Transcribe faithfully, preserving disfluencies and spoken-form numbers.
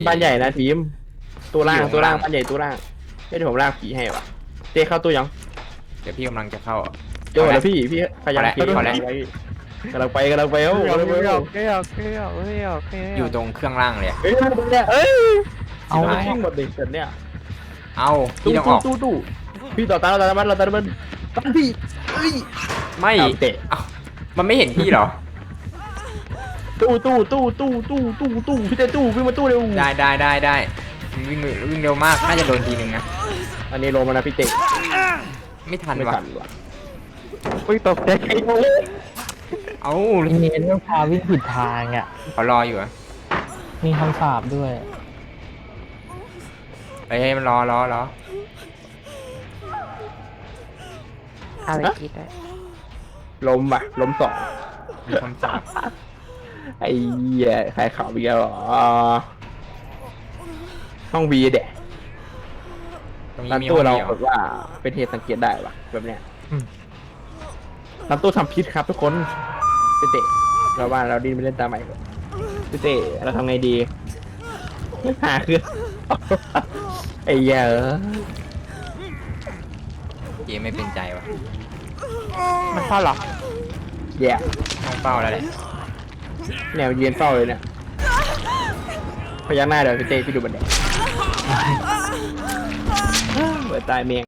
บ้านใหญ่นะทีมตัวล่างตัวล่างบ้านใหญ่ตัวล่างไม่ได้ผมล่างผีให้วะเต้เข้าตู้ยังเดี๋ยวพี่กำลังจะเข้าโจ้แล้วพี่พี่พยายามเก็บขอแล้วไว้กำลังไปกำลังไปเอ้ากำลังไปเอ้าอยู่ตรงเครื่องล่างเลยเฮ้ยเนี่ยเอ้ยเอาเอาทิ้งหมดดิเสร็จเนี่ยเอาพี่ตู้ต้องอตู้อกตู้ตู้พี่ต่อตาเราตามันเราตามันตั้งพี่เอ้ยไม่เอาเตะเอ้ามันไม่เห็นพี่เหรอตู้ตู้ตู้ตู้ตู้ตู้ตู้พี่เต้ตู้วิ่งมาตู้เร็วได้ได้ได้ได้วิ่งวิ่งเร็วมากน่าจะโดนทีนึงนะอันนี้ลงมานะพี่เต้ไม่ทันไม่ว่ะทันว่ะอุ้ยตกใจใครโง่เอ้าเน้นต้องพาวิ่งผิดทางอ่ะเขารออยู่อะมีคำสาปด้วยเฮ้ยมันรอรอรอเอาไปคิดได้ล้มว่ะล้มสองมีคำสาปไอ้เหี้ยใครข่าวอีกแล้วเหรอห้องวีเด็กตรงนี้ร้านมีตู้ห้องเราเดียวแบบว่าเป็นเหตุสังเกตได้ว่ะแบบเนี้ยร้านตู้ทำพิษครับทุกคนพี่เตะเราว่าเราดินไปเล่นตามใหม่ก่อนพี่เตะเราทำไงดีหาคือ ไอ้เหี้ยเออเกมไม่เป็นใจว่ะมันเข้าหรอแย่ต้องเฝ้าแล้วแหละแนวยืนเฝ้าเลยเนี่ยพยักหน้าเดี๋ยวพี่เตะพี่ดูบันไดเปิดตายเมียง